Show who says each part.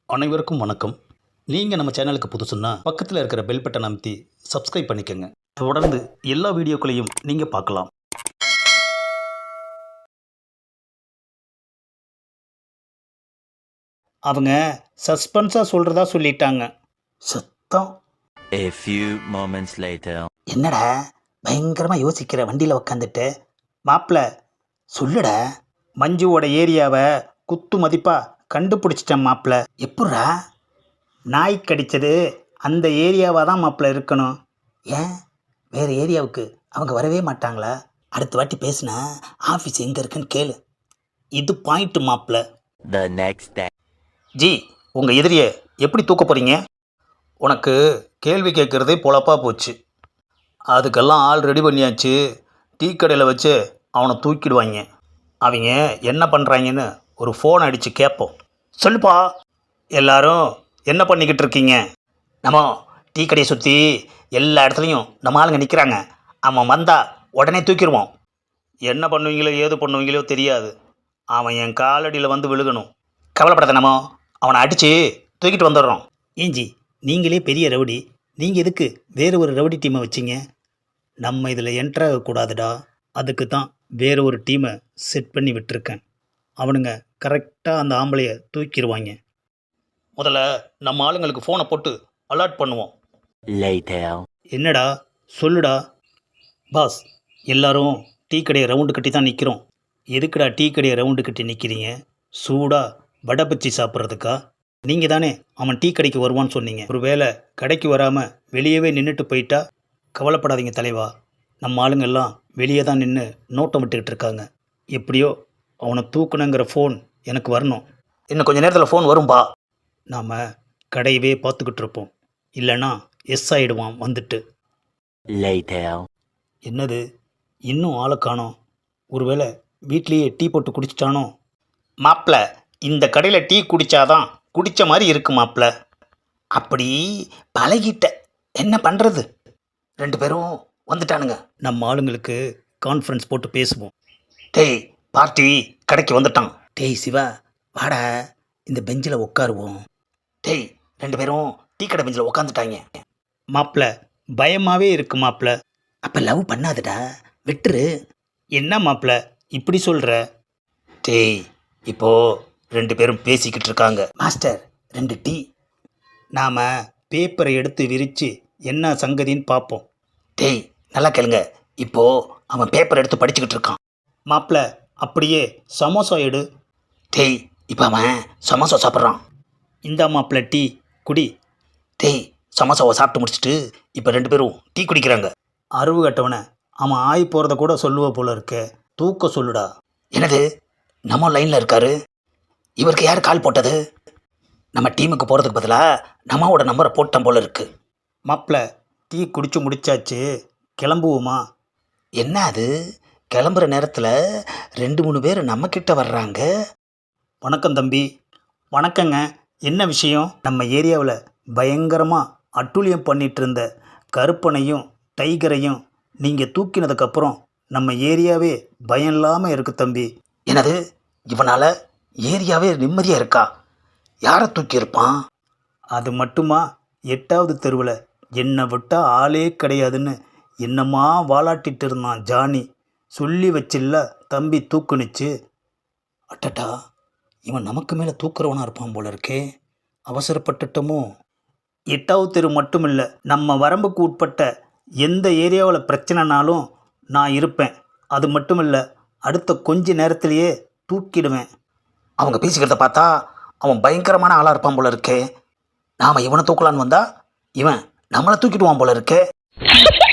Speaker 1: அனைவருக்கும் வணக்கம். நீங்கள் நம்ம சேனலுக்கு புதுசுன்னா பக்கத்தில் இருக்கிற பெல் பட்டன் அமைத்தி சப்ஸ்கிரைப் பண்ணிக்கோங்க. தொடர்ந்து எல்லா வீடியோக்களையும் நீங்கள் பார்க்கலாம். அவங்க சஸ்பென்ஸாக சொல்கிறதா சொல்லிட்டாங்க. சத்தம்.
Speaker 2: A few moments later.
Speaker 1: என்னடா பயங்கரமாக யோசிக்கிற வண்டியில் உக்காந்துட்டு? மாப்பிள்ள சொல்லுடா. மஞ்சுவோட ஏரியாவை குத்து மதிப்பாக கண்டுபிடிச்சிட்டேன் மாப்பிள்ள. எப்பட்றா? நாய் கடித்தது அந்த ஏரியாவாக தான் மாப்பிள்ள இருக்கணும். ஏன் வேறு ஏரியாவுக்கு அவங்க வரவே மாட்டாங்களா? அடுத்த வாட்டி பேசுனா ஆஃபீஸ் எங்கே இருக்குன்னு கேளு. இது பாயிண்ட்டு மாப்பிள்ள.
Speaker 2: The next day.
Speaker 1: ஜி, உங்கள் எதிரியை எப்படி தூக்க போகிறீங்க? உனக்கு கேள்வி கேட்குறதே பொழப்பாக போச்சு. அதுக்கெல்லாம் ஆள் ரெடி பண்ணியாச்சு. டீ கடையில் வச்சு அவனை தூக்கிடுவாங்க. அவங்க என்ன பண்ணுறாங்கன்னு ஒரு ஃபோன் அடித்து கேட்போம். சொல்லுப்பா. எல்லாரும் என்ன பண்ணிக்கிட்டு இருக்கீங்க? நம்ம டீ கடையை சுற்றி எல்லா இடத்துலையும் நம்ம ஆளுங்க நிற்கிறாங்க. அவன் வந்தால் உடனே தூக்கிடுவோம். என்ன பண்ணுவீங்களோ ஏது பண்ணுவீங்களோ தெரியாது. அவன் என் காலடியில் வந்து விழுகணும். கவலைப்படாத, நம்ம அவனை அடித்து தூக்கிட்டு வந்துடுறோம். ஏஞ்சி, நீங்களே பெரிய ரவுடி, நீங்கள் எதுக்கு வேறு ஒரு ரவுடி டீமை வச்சிங்க? நம்ம இதில் என்ட்ரு ஆகக்கூடாதுடா. அதுக்கு தான் வேறு ஒரு டீமை செட் பண்ணி விட்டுருக்கேன். அவனுங்க கரெக்டாக அந்த ஆம்பளையை தூக்கிடுவாங்க. முதல்ல நம்ம ஆளுங்களுக்கு ஃபோனை போட்டு அலர்ட் பண்ணுவோம்.
Speaker 2: Later.
Speaker 1: என்னடா சொல்லுடா. பாஸ், எல்லாரும் டீ கடையை ரவுண்டு கட்டி தான் நிற்கிறோம். எதுக்குடா டீ கடையை ரவுண்டு கட்டி நிற்கிறீங்க? சூடாக வடை பச்சி சாப்பிட்றதுக்கா? நீங்கள் தானே அவன் டீ கடைக்கு வருவான்னு சொன்னீங்க. ஒரு வேளை கடைக்கு வராமல் வெளியவே நின்றுட்டு போயிட்டா? கவலைப்படாதீங்க தலைவா. நம்ம ஆளுங்கெல்லாம் வெளியே தான் நின்று நோட்டம் விட்டுக்கிட்டு இருக்காங்க. எப்படியோ அவனை தூக்கணுங்கிற ஃபோன் எனக்கு வரணும். இன்னும் கொஞ்சம் நேரத்தில் ஃபோன் வரும்பா. நாம் கடையவே பார்த்துக்கிட்டு இருப்போம். இல்லைன்னா எஸ் ஆகிடுவான் வந்துட்டு.
Speaker 2: Later.
Speaker 1: என்னது, இன்னும் ஆளை காணோம்? ஒருவேளை வீட்லேயே டீ போட்டு குடிச்சிட்டானோ? மாப்பிள்ள, இந்த கடையில் டீ குடித்தாதான் குடித்த மாதிரி இருக்கு மாப்பிள்ள. அப்படி பழகிட்ட, என்ன பண்ணுறது? 2 பேரும் வந்துட்டானுங்க. நம்ம ஆளுங்களுக்கு கான்ஃபரன்ஸ் போட்டு பேசுவோம். டேய் பார்ட்டி கடைக்கு வந்துட்டான். டேய் சிவா, வாடா இந்த பெஞ்சில் உட்காருவோம். டேய் 2 பேரும் டீ கடை பெஞ்சில் உட்காந்துட்டாங்க. மாப்பிள்ள பயமாகவே இருக்கு மாப்பிள்ள. அப்போ லவ் பண்ணாதடா, விட்டுரு. என்ன மாப்பிள்ள இப்படி சொல்கிற? டேய் இப்போது 2 பேரும் பேசிக்கிட்டு இருக்காங்க. Master 2 tea. நாம் பேப்பரை எடுத்து விரித்து என்ன சங்கதின்னு பார்ப்போம். டேய் நல்லா கேளுங்க. இப்போது அவன் பேப்பர் எடுத்து படிச்சுக்கிட்டு இருக்கான். மாப்பிள்ள அப்படியே சமோசா எடு. டேய் இப்போ அவன் சமோசா சாப்பிட்றான். இந்த மாப்பிள்ள டீ குடி. டேய் சமோசாவை சாப்பிட்டு முடிச்சுட்டு இப்போ 2 பேரும் டீ குடிக்கிறாங்க. அறிவு கட்டவனை அவன் ஆகி போகிறத கூட சொல்லுவ போல இருக்க. தூக்க சொல்லுடா. என்னது, நம்ம லைனில் இருக்காரு. இவருக்கு யார் கால் போட்டது? நம்ம டீமுக்கு போகிறதுக்கு பதிலாக நம்மளோட நம்பரை போட்டோம் போல இருக்கு. மாப்பிள்ள டீ குடிச்சு முடிச்சாச்சு, கிளம்புவோமா? என்ன அது, கிளம்புற நேரத்தில் 2-3 பேர் நம்மக்கிட்ட வர்றாங்க. வணக்கம் தம்பி. வணக்கங்க. என்ன விஷயம்? நம்ம ஏரியாவில் பயங்கரமாக அட்டூழியம் பண்ணிகிட்டு இருந்த கருப்பனையும் டைகரையும் நீங்கள் தூக்கினதுக்கப்புறம் நம்ம ஏரியாவே பயம் இல்லாமல் இருக்கு தம்பி. என்னது, இவனால் ஏரியாவே நிம்மதியாக இருக்கா? யாரை தூக்கியிருப்பான்? அது மட்டுமா, 8வது தெருவில் என்னை விட்டால் ஆளே கிடையாதுன்னு என்னம்மா வாலாட்டிட்டு இருந்தான் ஜானி. சொல்லி வச்சில்ல தம்பி தூக்குனுச்சு. அட்டட்டா, இவன் நமக்கு மேலே தூக்குறவனாக இருப்பான் போல இருக்கே. அவசரப்பட்டுட்டோமோ? 8வது தெரு மட்டும் இல்லை, நம்ம வரம்புக்கு உட்பட்ட எந்த ஏரியாவில் பிரச்சனைனாலும் நான் இருப்பேன். அது மட்டும் இல்லை, அடுத்த கொஞ்ச நேரத்திலேயே தூக்கிடுவேன். அவங்க பேசிக்கிறத பார்த்தா அவன் பயங்கரமான ஆளாக இருப்பான் போல இருக்கே. நாம் இவனை தூக்கலான்னு வந்தால் இவன் நம்மளை தூக்கிடுவான் போல இருக்கே.